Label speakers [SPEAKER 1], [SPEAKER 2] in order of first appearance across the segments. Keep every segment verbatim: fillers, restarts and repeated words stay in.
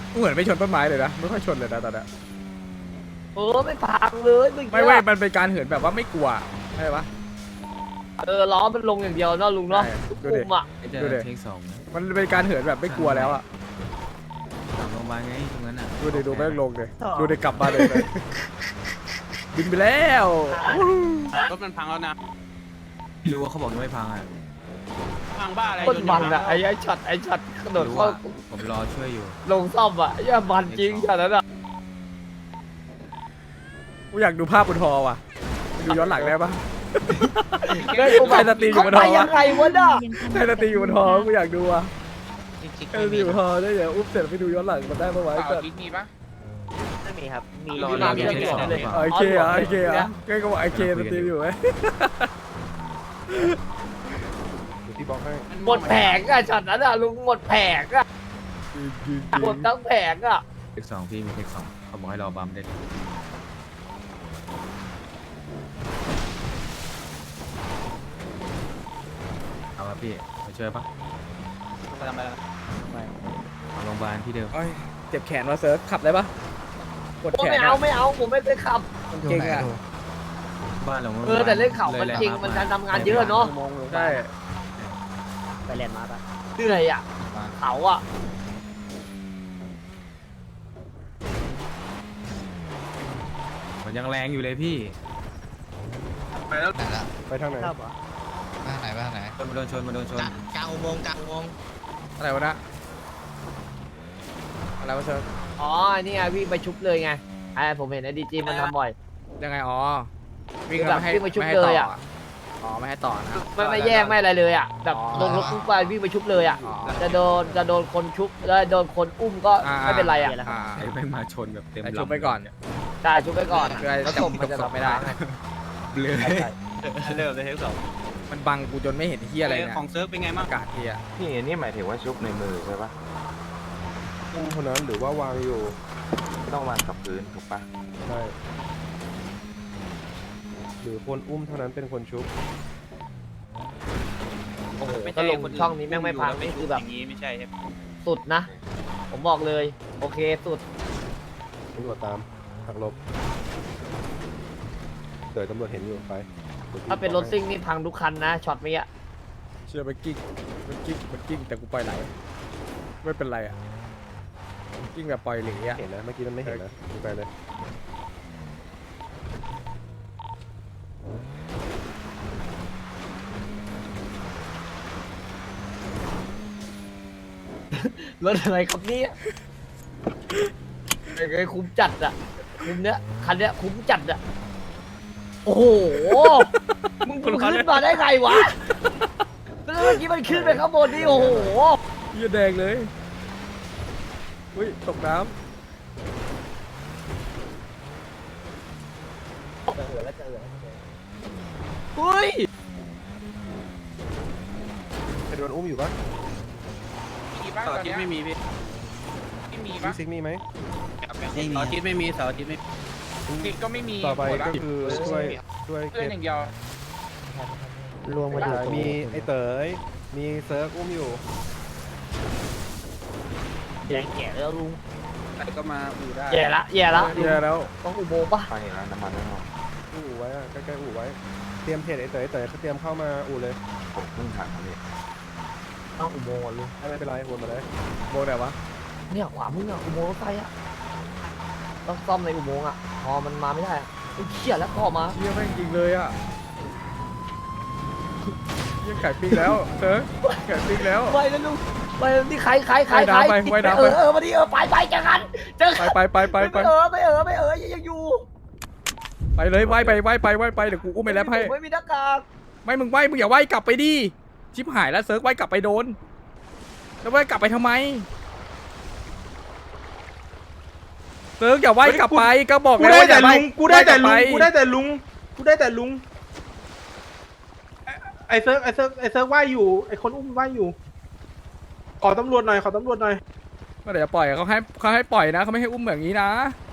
[SPEAKER 1] กูเหมือนไม่ชนต้นไม้เลยนะไม่ค่อยชนเลยนะตอนนี้
[SPEAKER 2] เออไม่พังเลยไม่
[SPEAKER 1] ไม่เว้ยมันเป็นการเหินแบบว่าไม่กลัวใช่ปะ
[SPEAKER 2] เออล้อมันลงอย่างเดียวเนาะลุงเนาะ
[SPEAKER 1] ดูดิ
[SPEAKER 2] อุ้มอ่ะ
[SPEAKER 3] ไอ้เจอ
[SPEAKER 1] ดูดิ
[SPEAKER 3] เทคสองนะ
[SPEAKER 1] มันเป็นการเหินแบบไม่กลัวแล้วอ่ะ
[SPEAKER 3] หลังโรงพยาบาลไงตรงนั้นอ่ะ
[SPEAKER 1] ดูดิดูแม่งลงเลยดูดิกลับมาเลยเลยบินไปแล้ว
[SPEAKER 4] รถมันพังแล้วนะ
[SPEAKER 3] ไม่รู้ว่าเขาบอกยังไม่พังอ่ะ
[SPEAKER 4] พังบ้าอะไร
[SPEAKER 2] คนมันอ่ะไอ้ไอ้ช็อตไอ้ช็อตกระโดด
[SPEAKER 3] รู้
[SPEAKER 2] เข้า
[SPEAKER 3] ว่าผมรอช่วยอยู่
[SPEAKER 2] ลงซ่อมอ่ะไอ้มันจริงช็อตนั้นอ่ะ
[SPEAKER 1] กูอยากดูภาพบนฮอว่ะดูย้อนหลังได้ปะ
[SPEAKER 2] ได้กูแบบ
[SPEAKER 1] ใครสตรีมอยู่บนหอ
[SPEAKER 2] เขาไปยังไงวะน่ะ
[SPEAKER 1] ใครสตรีอยู่บนฮอกูอยากดูอ่ะใครสตรีอยู่บนฮอได้เดี๋ยวอุ้มเสร็จไปดูย้อนหลังมันได้ปะวะไอ้สัส
[SPEAKER 4] มีปะ
[SPEAKER 2] ไม่มีครับมี
[SPEAKER 3] รอ
[SPEAKER 2] มี
[SPEAKER 3] รอ
[SPEAKER 2] น้ำ
[SPEAKER 3] เรี
[SPEAKER 2] เชื่
[SPEAKER 3] ย
[SPEAKER 2] อน ม
[SPEAKER 3] เท
[SPEAKER 2] ต่
[SPEAKER 3] ค
[SPEAKER 2] อ
[SPEAKER 3] สอง
[SPEAKER 2] เลย
[SPEAKER 3] หรือเปล่า
[SPEAKER 1] ไอเคเหรอไอเคเหรอแกก็บอกไอเคสตรีมอยู่ไหม
[SPEAKER 5] พี่บอกให้
[SPEAKER 2] หมดแผงอ่ะช็อตนั้นอ่ะลุงหมดแผงอ่ะหมดทั้งแผงอ่ะ
[SPEAKER 3] เทคสองพี่มีเทคสองเขาบอกให้รอบัมได้เลยเอาละพี่มาช่วยปะ
[SPEAKER 4] ไปทำอะไร
[SPEAKER 3] เอาโรงพยาบาลที่เดิม
[SPEAKER 1] โอ้ยเจ็บแขนว่ะเซิร์ฟขับได้ปะปวด
[SPEAKER 2] โอ้
[SPEAKER 1] แขน
[SPEAKER 2] ไม่เอาไม่เอาผมไม่เคยขับ
[SPEAKER 1] มันเก่งอ่ะ
[SPEAKER 3] บ้านเรา
[SPEAKER 2] เออแต่เล่นเขามันจริงมันการทำงานเยอะเนาะ
[SPEAKER 1] ใช่
[SPEAKER 2] ไปเรียนมาปะเหนื่อยอ่ะเขาอ่ะ
[SPEAKER 3] มันยังแรงอยู่เลยพี่
[SPEAKER 4] ไปแล้ว
[SPEAKER 6] ไหนละ
[SPEAKER 5] ไปทางไหน
[SPEAKER 2] ชอบเหรอ
[SPEAKER 6] บ้านไหนบ้านไหน
[SPEAKER 3] มาโดนชนมาโดนชน
[SPEAKER 6] กลางกลางอุโมงค์กลางอุโมงค์
[SPEAKER 1] อะไรวะนะอะไรวะเซิร์ฟ
[SPEAKER 2] อ๋อนี่ไงวิ่งไปชุบเลยไงไอ้ผมเห็นไอ้ดีจีมันทำบ่อย
[SPEAKER 1] ยังไงอ๋อวิ่ง
[SPEAKER 2] คือแบบ
[SPEAKER 1] ไม่ให้
[SPEAKER 2] วิ่งไปชุบ
[SPEAKER 1] ไม่ให้
[SPEAKER 2] เล
[SPEAKER 1] ต่
[SPEAKER 2] ย
[SPEAKER 1] อ
[SPEAKER 2] อะ
[SPEAKER 1] อ๋อไม่ให้ต่อนะ
[SPEAKER 2] ไม่ไม่แยกไม่อะไรเลยอ่ะแบบ
[SPEAKER 1] อ๋อ
[SPEAKER 2] ลงรถปุ๊บไปวิ่งไปชุบเลยอ่ะ
[SPEAKER 1] อ๋อ
[SPEAKER 2] จะโดนจะโดนคนชุบแล้วโดนคนอุ้มก็
[SPEAKER 1] อ่า
[SPEAKER 2] ไม่เป็นไรอ่ะ
[SPEAKER 1] อ่า
[SPEAKER 3] ไอ้ไม่มาชนแบบเต็ม
[SPEAKER 1] ไอ้
[SPEAKER 3] ลำ
[SPEAKER 1] ชุบไปก่อน
[SPEAKER 2] ใช่ชุบไปก่อน
[SPEAKER 1] เพื่อ
[SPEAKER 2] แล้ว
[SPEAKER 1] จับ
[SPEAKER 2] ศพมันจะ
[SPEAKER 1] ศพไม่ได้
[SPEAKER 3] เบลอ
[SPEAKER 2] ใช่ใช่
[SPEAKER 4] เริ่มเลยเทคสอง
[SPEAKER 1] มันบังกูจนไม่เห็นเฮียอะไรเนี่ย
[SPEAKER 4] ของเซิร์ฟเป็นไงบ้าง
[SPEAKER 1] อากาศเฮีย
[SPEAKER 7] นี่นี่หมายถึงว่าชุบในมือใช่ปะ
[SPEAKER 5] อุ้มเท่านั้นหรือว่าวางอยู่
[SPEAKER 7] ไม่ต้องวางกับพื้นถูกปะ
[SPEAKER 5] ใช่หรือคนอุ้มเท่านั้นเป็นคนชุบ
[SPEAKER 2] โอ้โหก็ลงช่องนี้แม่งไม่พังนี่คือแบบ
[SPEAKER 4] อย่างนี้ไม่ใช่ใช่
[SPEAKER 2] สุดนะ ผมบอกเลย โอเคสุด
[SPEAKER 5] ตำรวจตามหักหลบเดี๋ยวตำรวจเห็นอยู่ไปดี๋ยวพี่
[SPEAKER 2] ถ้าเป็นรถซิ่งนี่พังทุกคันนะช็อตเมื่อกี้
[SPEAKER 1] เชื่อมันกิ้งมันกิ้งมันกิ้งแต่กูปล่อยไหลไม่เป็นไรอ่ะมันกิ้งแบบปล่อยเหลยอ่ะ
[SPEAKER 5] เห็นนะเมื่อกี้มันไม่เห็นนะดูไปเลย
[SPEAKER 2] รถอะไรครับเนี่ยไอ้คุ้มจัดอ่ะคุ้มเนี้ยคันเนี้ยคุ้มจัดอ่ะโอ้โหมึงขึ้นมาได้ไงวะแล้วเมื่อกี้มันขึ้นไปข้างบนนี่โอ้โห
[SPEAKER 1] เฮียแดงเลยอุ้ยตกน้
[SPEAKER 2] เฮ้ย
[SPEAKER 5] ใครโดนอุ้มอยู่ปะ
[SPEAKER 4] มีบ้างเสาร์อาทิตย์ไม่มีพี่ไม่มี
[SPEAKER 5] พี่
[SPEAKER 4] ปะ
[SPEAKER 5] ซิกมีไหม
[SPEAKER 4] เสาร์อาทิตย์ไม่มีเสาร์อาทิตย์ไม่ติดก็ไม่มี
[SPEAKER 5] ต่อไปก็คือช่วยช่วย
[SPEAKER 4] เพื่อน
[SPEAKER 5] เก็บ
[SPEAKER 4] อย่างเดียว
[SPEAKER 2] รวมกันอยู่
[SPEAKER 5] มีไอ้เต๋ยมีเซิร์ฟอุ้มอยู่
[SPEAKER 2] แย่แย่แล้วลุง
[SPEAKER 4] แต่ก็มาอู่ได้
[SPEAKER 2] แย่ละแย่ละ
[SPEAKER 1] ำเฮียแล้ว
[SPEAKER 2] ต้องอุโมงค์ปะ
[SPEAKER 7] ไปเห็นแล้วน้ำมันไม่พอ
[SPEAKER 5] อู่ไว้อะใกล้ๆอู่ไว้ เตรียมเพจไอ้เต๋ยเต๋ยเขาเตรียมเข้ามาอู่เลย
[SPEAKER 7] ผมเพิ่งถามเขาเลย
[SPEAKER 2] ต้องอุโมงค์อ่ะลุง
[SPEAKER 5] ไม่เป็นไรวนมาเลย
[SPEAKER 1] โบไหนวะ
[SPEAKER 2] เนี่ยขวามึงอ่ะอุโมงค์รถไฟอ่ะต้องซ่อมในอุโมงค์อ่ะพอมันมาไม่ได้อ่ะไอ้เหี้ยแล้วก็ออกมา
[SPEAKER 1] เฮียแม่งจริงเลยอ่ะเฮียไก่ปิ้งแล้วเซิร์ฟไก่ปิ้งแล้ว
[SPEAKER 2] ไปแล้วลุงไปที่ใครใครใคร
[SPEAKER 1] ว่าย
[SPEAKER 2] ใคร
[SPEAKER 1] น้ำไปว่ายน้ำ
[SPEAKER 2] เอ
[SPEAKER 1] ไป
[SPEAKER 2] อเออมาดิเออไปไปเจอกันเจอ
[SPEAKER 1] ไป
[SPEAKER 2] กัน
[SPEAKER 1] ไปไปไปไป
[SPEAKER 2] ไม่เออไม่เออไม่เออยังอยู่
[SPEAKER 1] ไปเลยว่ายไปว่ายไปว่ายไปเดี๋ยวกูอุ้มไปแล้วให้
[SPEAKER 2] ไม่มีหน้ากาก
[SPEAKER 1] ไม่มึงว่ายมึงอย่าว่ายกลับไปดิชิบหายแล้วเซิร์ฟว่ายกลับไปโดนแล้วว่ายกลับไปทำไมเซิร์ฟอย่าว่ายกลับไปก็บอก
[SPEAKER 8] กู
[SPEAKER 1] แล้ว
[SPEAKER 8] ได้
[SPEAKER 1] ว่าอ
[SPEAKER 8] แต่
[SPEAKER 1] ย่า
[SPEAKER 8] ลุ
[SPEAKER 1] ว่าย
[SPEAKER 8] ง กูได้แต่ลุง
[SPEAKER 1] ว่าย
[SPEAKER 8] กู
[SPEAKER 1] กลับไป
[SPEAKER 8] ได้แต่ลุง กูได้แต่ลุง ไอ้ไอเซิร์ฟไอเซิร์ฟไอเซิร์ฟว่ายอยู่ ไอคนอุ้มว่ายอยู่ ขอตำรวจหน่อย ขอตำรวจหน่อย
[SPEAKER 1] ก็เดี๋ยวจะปล่อยเขาให้เขาให้ปล่อยนะเขาไม่ให้อุ้มแบบนี้นะ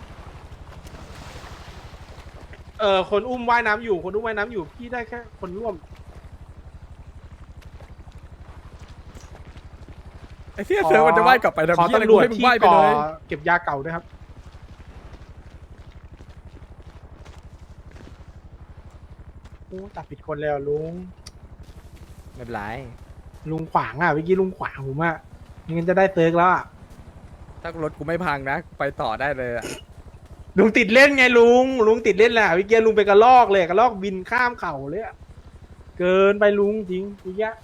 [SPEAKER 8] เออคนอุ้มว่ายน้ำอยู่ คนอุ้มว่ายน้ำอยู่ พี่ได้แค่คนร่วม
[SPEAKER 1] ไอ้เหี้ยเซิร์ฟมันจะว่ายกลับไปทำ
[SPEAKER 8] ขอ
[SPEAKER 1] เหี้ยอะไร
[SPEAKER 8] ตำร
[SPEAKER 1] กู
[SPEAKER 8] วจ
[SPEAKER 1] ให้มึง
[SPEAKER 8] ที่
[SPEAKER 1] ว่ายไป
[SPEAKER 8] ก่อ
[SPEAKER 1] เลย
[SPEAKER 8] เก็บยาเก่าด้วยครับโอ้ตัดผิดคนแล้วลุง
[SPEAKER 1] ไม่เป็นไร
[SPEAKER 8] ลุงขวางอ่ะเมื่อกี้ลุงขวางผมอ่ะงั้นจะได้เติร์กแล้วอ่ะ
[SPEAKER 1] ถ้ารถกูไม่พังนะไปต่อได้เลยอะ
[SPEAKER 8] ลุงติดเล่นไงลุงลุงติดเล่นแหละเมื่อกี้ลุงไปกระลอกเลยกระลอกบินข้ามเขาเลยอะเกินไปลุงจริงเมื่อกี้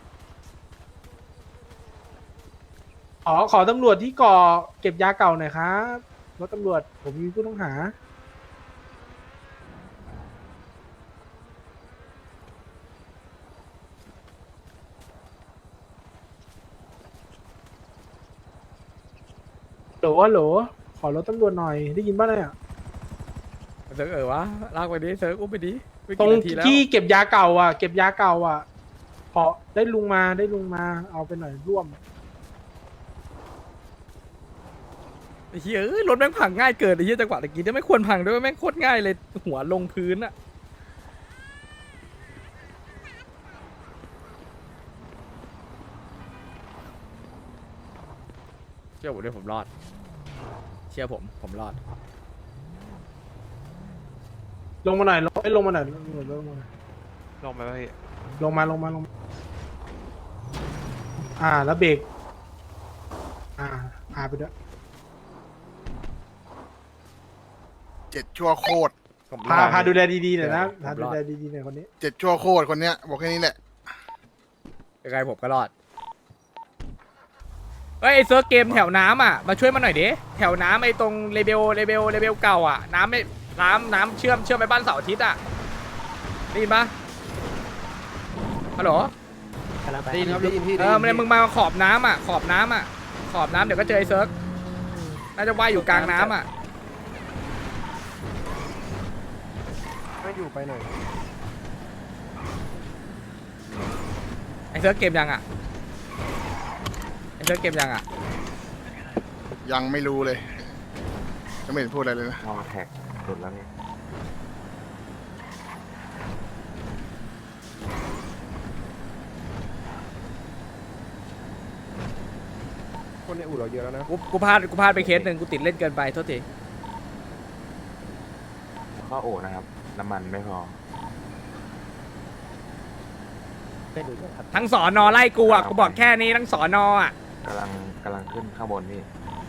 [SPEAKER 8] ขอขอตำรวจที่ก่อเก็บยาเก่าหน่อยครับรถตำรวจผมมีผู้ต้องหาโหลโหลขอรถตำรวจหน่อยได้ยินป่ะเนี่ย
[SPEAKER 1] เซิร์ฟเออวะลากไปดิเซิร์ฟอุ้มไปดิไม่
[SPEAKER 8] ตร
[SPEAKER 1] กี่
[SPEAKER 8] ง
[SPEAKER 1] นาทีแล้ว
[SPEAKER 8] ที่เก็บยาเก่าอ่ะ เก็บยาเก่าอ่ะขอได้ลุงมาได้ลุงมา เอาไปหน่อยร่วม
[SPEAKER 1] ไอ้เหี้ยเอ้ยรถแม่งพังง่ายเกินไอ้เหี้ยจังหวะตะกี้เนี่ยไม่ควรพังด้วยแม่งโคตรง่ายเลยหัวลงพื้นอะเชื่อผมด้วยผมรอด เชื่อผมผมรอด
[SPEAKER 8] ลงมาหน่อยลงไม่ลงมาหน่อยลงมาลงมาหน่อย
[SPEAKER 4] ลงไปพี่
[SPEAKER 8] ลงมาลงมาลงมาอ่าแล้วเบรกอ่าอ่าไปด้วย
[SPEAKER 9] เจ็ดชั่วโคตร
[SPEAKER 1] ผม
[SPEAKER 8] พาร
[SPEAKER 1] อด
[SPEAKER 8] พาดูแลดีๆหน่อยนะ
[SPEAKER 1] ผมรอด
[SPEAKER 8] พาดูแลดีๆหน่อยคนนี้
[SPEAKER 9] เจ็ดชั่วโคตรคนเนี้ยบอกแค่นี้แหละ
[SPEAKER 1] ยังไงผมก็รอดเฮ้ยไอ้เซิร์ฟเกมแถวน้ำอ่ะมาช่วยมาหน่อยดิแถวน้ำไอ้ตรงเลเบลเลเบลเลเบลเก่าอ่ะน้ำไม่น้ำน้ำเชื่อมเชื่อมไปบ้านเสาร์อาทิตย์อ่ะได้ยินปะฮัลโหล
[SPEAKER 5] ได้ยินครับได้ยินพี่
[SPEAKER 1] เออมันมึงมาขอบน้ำอ่ะขอบน้ำอ่ะขอบน้ำเดี๋ยวก็เจอไอ้เซิร์ฟน่าจะว่ายอยู่กลางน้ำอ่ะ
[SPEAKER 5] ไม่อยู่ไปหน่อย
[SPEAKER 1] ไอ้เซิร์ฟเกมยังอ่ะไอ้เซิร์ฟเกมยังอ่ะ
[SPEAKER 9] ยังไม่รู้เลยยังไม่เห็นพูดอะไรเลยนะ
[SPEAKER 7] มองแท็กหลุดแล้วพี่
[SPEAKER 5] คนในอู่เราเยอะแล้วนะ
[SPEAKER 1] กูกูพลาดกูพลาดไปเคสหนึ่งกูติดเล่นเกินไปโทษที
[SPEAKER 7] ข้อโอนะครับ น้ำมันไม่พอ
[SPEAKER 1] ทั้งสอนอไล่กูอ่ะกูบอกแค่นี้ทั้งสอนออ่ะ
[SPEAKER 7] กำลังกำลังขึ้นข้างบนพี่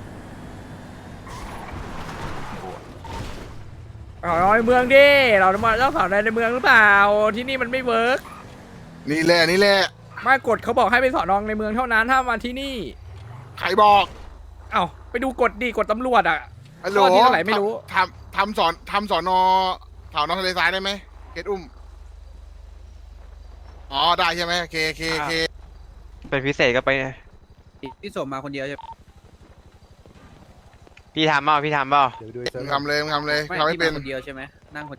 [SPEAKER 7] โอ้
[SPEAKER 1] สอนอในเมืองดิเราต้องมาต้องสอนอในเมืองหรือเปล่าที่นี่มันไม่เวิร์ก
[SPEAKER 9] นี่แหละนี่แหละ
[SPEAKER 1] มากฎเขาบอกให้ไปสอนอในเมืองเท่านั้นถ้ามาที่นี่
[SPEAKER 9] ใครบอก
[SPEAKER 1] เอ้าไปดูกฎดีกฎตำรวจอ่ะ
[SPEAKER 9] ฮัลโหล
[SPEAKER 1] ข้อที่เท่าไหร่ไม่รู้
[SPEAKER 9] ทำทำสอนทำสอนอแถวนอทะเลทรายได้ไหมเกตอุ้มอ๋อได้ใช่ไหมโอเคโอเคโอเค
[SPEAKER 4] เป็นพิเศษก็ไป
[SPEAKER 3] พี่สมมาคนเดียวใช่
[SPEAKER 4] พี่ทำเปล่าพี่ทำเปล่า
[SPEAKER 5] เดี๋ยวดูไอ้เซิ
[SPEAKER 9] มึ
[SPEAKER 5] ร์
[SPEAKER 9] ง
[SPEAKER 5] ฟ
[SPEAKER 9] ทำเลยมึงทำเลยทำให้เป็น
[SPEAKER 3] คนเดียวใช่ไหมนั่งคน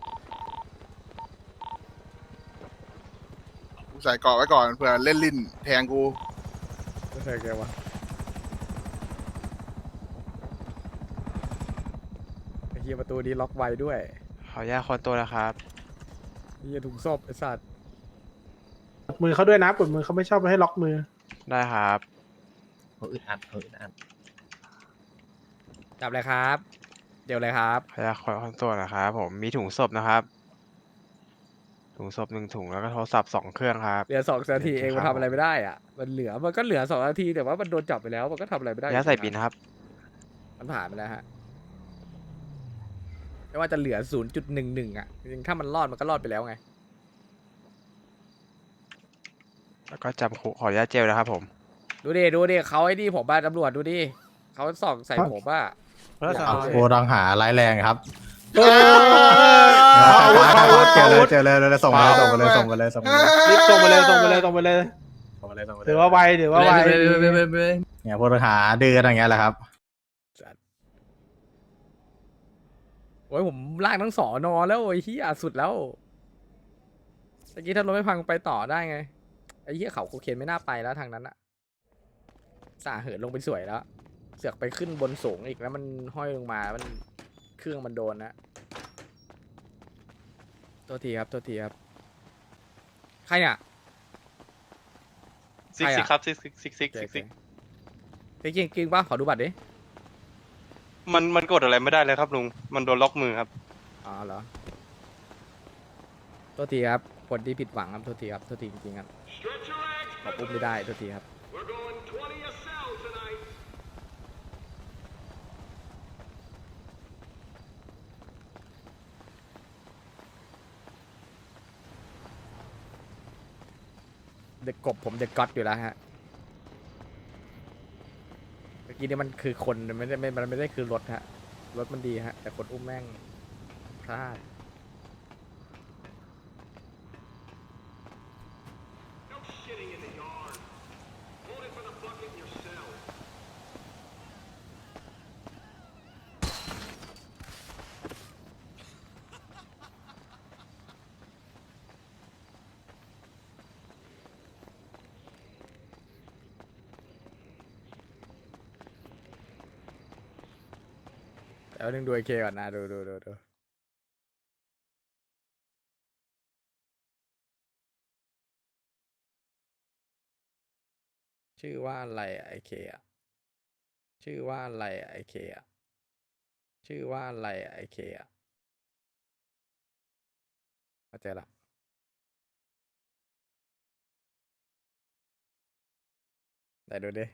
[SPEAKER 9] กูใส่เกาะไว้ก่อนเผื่อเล่นลิ้นแทงกู
[SPEAKER 1] ไม่ใช่แกวะไอ้เฮียประตูนี้ล็อกไว้ด้วย
[SPEAKER 4] ขออนุญาตคนตัวนะครับ
[SPEAKER 1] ไอ้เฮียถุงศพไอ้สัตว์
[SPEAKER 8] กดมือเขาด้วยนะกดมือเขาไม่ชอบให้ล็อกมือ
[SPEAKER 4] ได้ครับ
[SPEAKER 2] อึดอัดอึดอัด
[SPEAKER 1] จับเลยครับ เดี๋ยวเลยครับ
[SPEAKER 4] ขออนุญาตคนตัวนะครับผมมีถุงศพนะครับ ถุงศพหนึ่งถุงแล้วก็โทรศัพท์สองเครื่องครับ
[SPEAKER 1] เหลือสองนาทีเอง
[SPEAKER 4] ครั
[SPEAKER 1] มัน
[SPEAKER 4] บ
[SPEAKER 1] ทำอะไรไม่ได้อ่ะมันเหลือมันก็เหลือสองนาทีแต่ว่ามันโดนจับไปแล้วมันก็ทำอะไรไม่ได้
[SPEAKER 4] ย่าใส่บินครับ
[SPEAKER 1] มันผ่านไปแล้วฮะไม่ว่าจะเหลือศูนย์จุดหนึ่งหนึ่งอ่ะจริงๆถ้ามันรอดมันก็รอดไปแล้วไง
[SPEAKER 4] แล้วก็จำคุกขออนุญาตเจลนะครับผม
[SPEAKER 1] ดูดิดูดิเขาไอ้นี่ผมบ้าตำรวจดูดิเขาส่องใส่ผมว่า
[SPEAKER 6] โบรังหาร้ายแรงครับ
[SPEAKER 8] เออ
[SPEAKER 6] เจอเลยเจอเลยเลยส่งเลยส่งเลยส่งเลยส่งเลย
[SPEAKER 8] รีบส่งไปเลยส่งไปเลยส่งไปเลย
[SPEAKER 6] ส่งเลยส่งเลย
[SPEAKER 8] ถือว่าไวถือว่าไว
[SPEAKER 6] เนี่ยพวกหาดื้อกันอย่างเงี้ยแหละครับ
[SPEAKER 1] โอ้ยผมลากทั้งสอนอแล้วไอ้เหี้ยสุดแล้วเมื่อกี้ถ้ารถไม่พังไปต่อได้ไงไอ้เหี้ยเขาโคเคนไม่น่าไปแล้วทางนั้นอะสาเหินลงไปสวยแล้ว เสือกไปขึ้นบนสูงอีกแล้วมันห้อยลงมามันเครื่องมันโดนนะตัวทีครับตัวทีครับใครเนี่ย
[SPEAKER 4] ซิกซิกครับซิกซิกซิกซิกซิกซิก
[SPEAKER 1] จริงจริงป่ะขอดูบัตรดิ
[SPEAKER 10] มันมันกดอะไรไม่ได้เลยครับลุง มันโดนล็อกมือครับ
[SPEAKER 1] อ๋อเหรอโทษทีครับคนที่ผิดหวังครับโทษทีครับโทษทีจริงๆครับขอปุ๊บไม่ได้โทษทีครับเด็กกบผมเด็กก๊อตอยู่แล้วฮะเมื่อกี้นี่มันคือคนมันไม่ได้ไม่มันไม่ได้คือรถฮะรถมันดีฮะแต่คนอุ้มแม่งพลาด เดี๋ยวนึงดูไอเคก่อนนะดูดูดูดูชื่อว่าอะไรไอเคอะชื่อว่าอะไรไอเคอะชื่อว่าอะไรไอเคอะเข้าใจละไหนดูดิ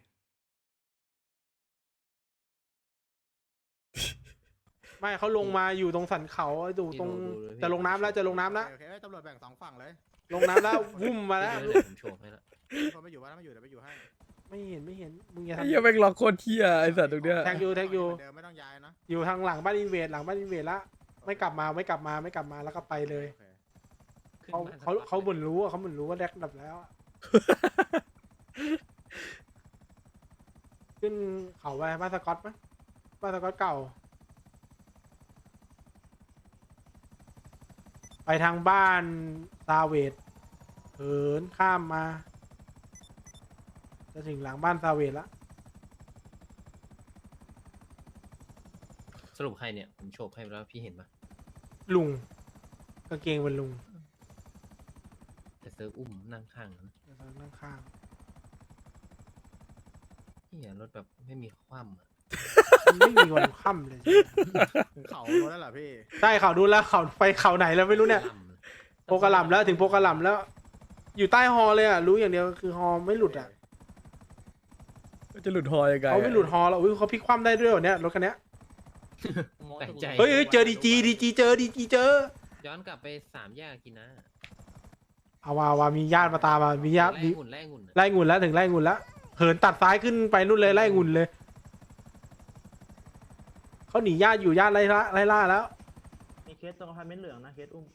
[SPEAKER 8] ไม่เขาลงมาอยู่ตรงสันเขาอยู่ตรงจะลงน้ำแล้วจะลงน้ำแล้ว
[SPEAKER 6] โอเคตำรวจแบ่งสองฝั่งเลย
[SPEAKER 8] ลงน้ำแล้ววุ่มมาแล้ว
[SPEAKER 2] ผมโชว์ให้ละ
[SPEAKER 6] คนไม่อยู่บ้านไม่อยู่เดี๋ยวไปอยู่ให้
[SPEAKER 8] ไม่เห็นไม่เห็นมึงอย่า
[SPEAKER 1] ไอ้
[SPEAKER 8] ทำ
[SPEAKER 1] เหี้ยแม่งล็อกโคตรเที่ยไอ้สัตว์ตรงเนี้ย
[SPEAKER 8] แท็กยูแท็กยู
[SPEAKER 6] เดิมไม่ต้องย้ายนะ
[SPEAKER 8] อยู่ทางหลังบ้านอินเวดหลังบ้านอินเวดละไม่กลับมาไม่กลับมาไม่กลับมาแล้วก็ไปเลย
[SPEAKER 6] โอเค
[SPEAKER 8] เขาเขาเขาเหมือนรู้อะเขาเหมือนรู้ว่าแดกดับแล้วอะขึ้นเขาไปบ้านสกอตไหมบ้านสกอตเก่า ไปทางบ้านซาเวดเหินข้ามมา จะถึงหลังบ้านซาเวดละ
[SPEAKER 2] สรุปใครเนี่ยผมโชว์ให้แล้วพี่เห็นปะ
[SPEAKER 8] ลุงกางเกงเป็นลุง
[SPEAKER 2] แต่เซิร์ฟอุ้มนั่งข้างนะ
[SPEAKER 8] เดี๋ยวเรานั่งข้าง
[SPEAKER 2] เหียรถแบบไม่มีคว่ำอะ
[SPEAKER 8] มันไม่มีวันค่ำเลย
[SPEAKER 6] ถึงเขาโดนแล้วเหรอพี่
[SPEAKER 8] ใช่เขาดูแล้วเขาไปเขาไหนแล้วไม่รู้เนี่ย
[SPEAKER 2] ล่ำเลย
[SPEAKER 8] โปกระหล่ำแล้วถึงโปกระหล่ำแล้ว อยู่ใต้ฮอเลยอ่ะรู้อย่างเดียวคือฮอไม่หลุดอ่ะ
[SPEAKER 1] จะหลุดหอยังไง
[SPEAKER 8] เขาไม่หลุดฮอแล้วอุ้ยเขาพลิกคว่ำได้ด้วยเหรอเนี่ยรถคันเนี้ย
[SPEAKER 2] แปลกใจ
[SPEAKER 8] เฮ้ยเฮ้ยเจอดีจีดีจีเจอดีจีเจอ
[SPEAKER 2] ย้อนกลับไปสามแยกกินนะ
[SPEAKER 8] เอาว่าว่ามีญาติมาตามมามีญาติ
[SPEAKER 2] ไล่
[SPEAKER 8] มี
[SPEAKER 2] หุ่นไล่หุ่นอะ
[SPEAKER 8] ไล่งุนแล้วถึงไล่งุนแล้วเหินตัดซ้ายขึ้นไปนู่นเลยไล่งุนเลยเขาหนีญาติอยู่ญาติไล่ล่าไล่ล่าแล้ว
[SPEAKER 11] มีเคสตรงอพาร์ตเมนต์เหลืองนะเคสอุ้ม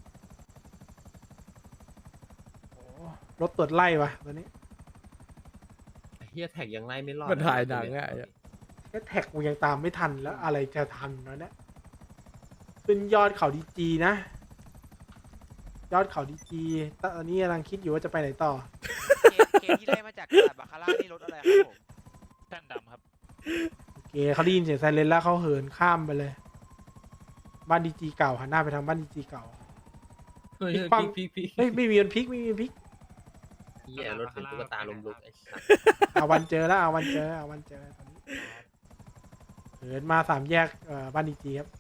[SPEAKER 8] โอ้รถตรวจไล่วะตอนนี้
[SPEAKER 2] เฮียแท็กยังไล่ไม่รอด
[SPEAKER 1] มันถ่ายหนังอะไอ้เหี้ย
[SPEAKER 8] แค่แท็กกูยังตามไม่ทันแล้วอะไรจะทันวะเนี่ยขึ้นยอดเขาดีจีนะ ยอดเขาดีจีตอนนี้กำลังคิดอยู่ว่าจะไปไหนต่อ
[SPEAKER 11] เคสที่ได้มาจากกระดาษบาคาร่านี่รถอะไรครับผมแท่นดำครับ
[SPEAKER 8] โอเคเขาได้ยินเสียงไซเรนแล้วเขาเหินข้ามไปเลย บ้านดีจีเก่าหันหน้าไปทางบ้านดีจีเก่า
[SPEAKER 2] เฮ้ย
[SPEAKER 8] พลิกคว่ำ
[SPEAKER 2] พี่พี่
[SPEAKER 8] เฮ้ยไม่มีวันพลิกไม่มีวันพลิก
[SPEAKER 2] เฮียรถเป็นตุ๊กตาลมลุกไอ้สัส
[SPEAKER 8] เอาวันเจอแล้วเอาวันเจอเอาวันเจอตอนนี้เหินมาสามแยกเอ่อบ้านดีจีครับ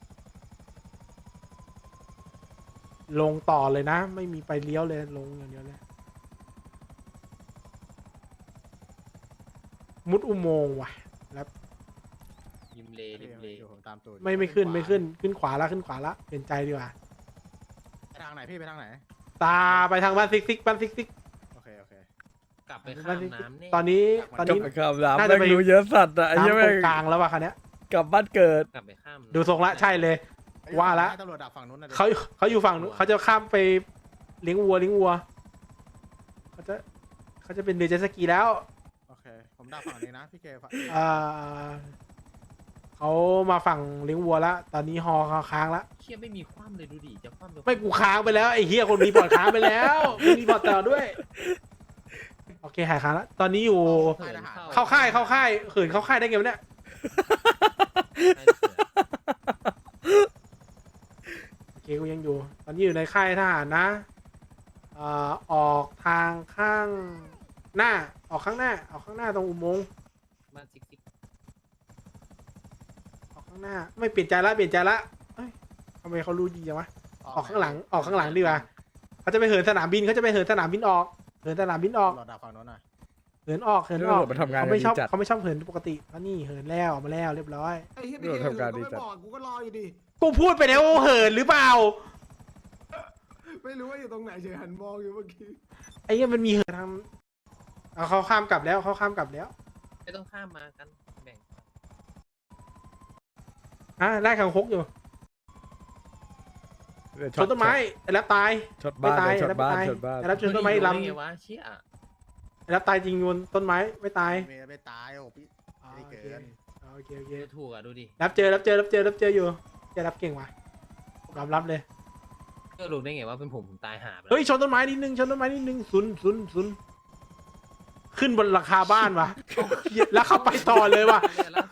[SPEAKER 8] ลงต่อเลยนะ ไม่มีไปเลี้ยวเลยลงอย่างเดียวเลยมุดอุโมงค์ว่ะแล้ว
[SPEAKER 2] ริมเลริมเล
[SPEAKER 6] อยู่ผมตามตูด
[SPEAKER 8] ไม่ไม่ขึ้นไม่ขึ้นขึ้นขวาละขึ้นขวาละเปลี่ยนใจดีกว่า
[SPEAKER 6] ไปทางไหนพี่ไปทางไหน
[SPEAKER 8] ตาไปทางบ้านซิกซิกบ้านซิกซิก
[SPEAKER 6] โอเคโอเค
[SPEAKER 2] กลับไปข้ามน้ำเนี่ย
[SPEAKER 8] ตอนนี้ตอน
[SPEAKER 1] กลับ
[SPEAKER 8] นี้
[SPEAKER 1] ไปข้ามน้ำ
[SPEAKER 8] น่าจะ
[SPEAKER 1] แม่ง
[SPEAKER 8] ไป
[SPEAKER 1] รู้เยอะสัตว์อะไอ้เหี้ย
[SPEAKER 8] น้ำต
[SPEAKER 1] แม่
[SPEAKER 8] รง งกลางแล้วว่ะคันเนี้ย
[SPEAKER 1] กลับบ้านเกิด
[SPEAKER 2] กลับไปข้าม
[SPEAKER 8] ดูทรงละใช่เลย ว่าละ
[SPEAKER 6] ให้ตำรวจดักฝั่งนู้นนะดิ
[SPEAKER 8] เขาเขาอยู่ฝั่งนู้นเขาจะข้ามไปเลี้ยงวัวเลี้ยงวัวเขาจะเขาจะเป็นเรือเจ็ตสกีแล้ว
[SPEAKER 6] โอเคผมดักฝั่งนี้นะพี่เคฝั่ง
[SPEAKER 8] อ่าเขามาฝั่งเลี้ยงวัวแล้วตอนนี้ฮอเขาค้างแล้ว
[SPEAKER 2] เฮียไม่มีคว่ำเลยดูดิจะคว่ำจะคว่ำ
[SPEAKER 8] ไม่กูค้างไปแล้วไอ้เฮียคนรีพอร์ตค้างไปแล้วไม่รีพอร์ตต่อด้วยโอเคหายค้างแล้วตอนนี้อยู่
[SPEAKER 2] หิน
[SPEAKER 8] เข้าค่ายเข้าค่ายเขินเข้าค่ายได้ไงวะเนี่ย
[SPEAKER 2] ใช่เสือ
[SPEAKER 8] โอเคกูยังอยู่ ตอนนี้อยู่ในค่ายทหารนะเอ่อออกทางข้างหน้าออกข้างหน้าออกข้างหน้าตรงอุโมงค์
[SPEAKER 2] บ้านซิก
[SPEAKER 8] ข้างหน้าไม่เปลี่ยนใจละเปลี่ยนใจละเอ้ยทำไมเขารู้ดีจังวะออกข้างหลังออกข้างหลังดีกว่าเขาจะไปเหินสนามบินเขาจะไปเหินสนามบินออกเหินสนามบินออก
[SPEAKER 6] รอดักฝั่งโน้นหน่อย
[SPEAKER 8] เหินออกเหิน
[SPEAKER 1] เรื่
[SPEAKER 8] อ
[SPEAKER 1] อง
[SPEAKER 8] อก
[SPEAKER 1] รถมันทำงาน
[SPEAKER 8] เขาไม่ชอบ
[SPEAKER 1] ดีจัด
[SPEAKER 8] เขาไม่ชอบเหินปกติแล้วนี่เหินแล้วออกมาแล้วเรียบร้อย
[SPEAKER 5] ไอ้เหี้ย
[SPEAKER 1] เรื่องทำการดีจัด
[SPEAKER 5] กูก็รออยู่ดิ
[SPEAKER 8] กูพูดไปแล้วเหินหรือเปล่า
[SPEAKER 5] ไม่รู้ว่าอยู่ตรงไหนเฉยหันมองอยู่เมื่อกี้
[SPEAKER 8] ไอ้เหี้ยมันมีเหินทำเอาเขาข้ามกลับแล้วเขาข้ามกลับแล้ว
[SPEAKER 2] ไม่ต้องข้ามมากันแบ่ง
[SPEAKER 8] อ่ะไล่ขังคกอยู่ชนต้นไม้ไอ้แรปตาย
[SPEAKER 1] ชนบ้าน
[SPEAKER 8] ไม่ตาย
[SPEAKER 1] ชนบ้าน
[SPEAKER 8] ไอ้
[SPEAKER 1] ช
[SPEAKER 8] แรป
[SPEAKER 1] นบ้าน
[SPEAKER 8] ไอ้แรปชนต้นไม้ลำ
[SPEAKER 2] ไงวะเชี่ย
[SPEAKER 8] ไอ้แรปตายจริงโยนต้นไม้ไม่ตาย
[SPEAKER 6] เมย์ไม่ตายโอ้พี่
[SPEAKER 8] อ๋อ
[SPEAKER 6] ไม่
[SPEAKER 8] โอ
[SPEAKER 6] ได้
[SPEAKER 8] เค
[SPEAKER 6] เกิน
[SPEAKER 8] อ๋อโอเคโอเค
[SPEAKER 2] ถูกอ่ะดูดิ
[SPEAKER 8] รับเจอรับเจอรับเจอรับเจออยู่จะรับเก่งว่ะยอมรับเลย
[SPEAKER 2] ก็รู้ได้ไงว่าเป็นผมผมตายหาไปแล้ว
[SPEAKER 8] เฮ้ยชนต้นไม้นิดนึงชนต้นไม้นิดนึงศูนย์ศูนย์ศูนย์ขึ้นบนราคาบ้านว่ะแล้วเข้าไปต่อเลยว่ะ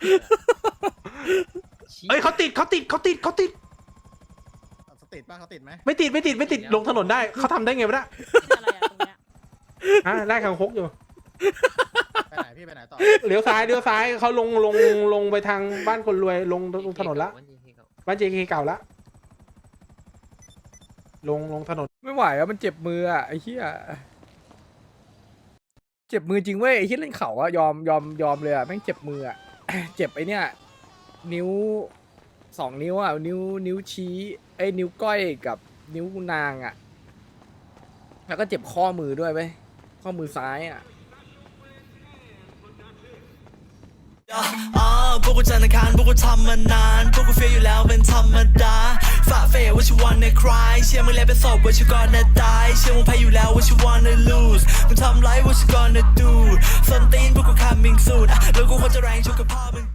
[SPEAKER 8] เฮ้ยเขาติดเขาติดเขาติดเขาติด
[SPEAKER 6] เขาติดป่ะเขาติดไหม
[SPEAKER 8] ไม่ติดไม่ติดไม่ติดลงถนนได้เขาทำได้ไงวะเนี่ย
[SPEAKER 12] อะไรอะตรงเนี้ย
[SPEAKER 8] ฮะไล่ขังคกอยู่
[SPEAKER 6] ไปไหนพี่ไปไหนต่อ
[SPEAKER 8] เลี้ยวซ้ายเลี้ยวซ้ายเขาลงลงลงไปทางบ้านคนรวยลงลงถนนละบ้านเจเคเก่าละลงลงถนน
[SPEAKER 1] ไม่ไหวอะมันเจ็บมืออะไอ้เหี้ยเจ็บมือจริงเว้ยไอ้เหี้ยเล่นเข่าอะยอมยอมยอมเลยอะแม่งเจ็บมืออะ เจ็บไอ้เนี่ยนิ้วสองนิ้วอะนิ้วนิ้วชี้ไอ้ยนิ้วก้อยกับนิ้วนางอะแล้วก็เจ็บข้อมือด้วยเว้ยข้อมือซ้ายอะ
[SPEAKER 13] อ่าพวกกูจันทร์อังคารพวกกูทำมานานพวกกูเฟียอยู่แล้วเป็นธรรมดาฝ่าเฟยว่าชิวันในคลายเชื่อมึงแล้วเป็นศพว่าชิวก่อนนะตายเชื่อมึงแพ้อยู่แล้วว่าชิวันใน lose มึงทำไรว่าชิวก่อนนะ do ส้นตีนพวกกู coming soon อ่ะแล้วกูควรจะแรงชุกกับพ่อมึง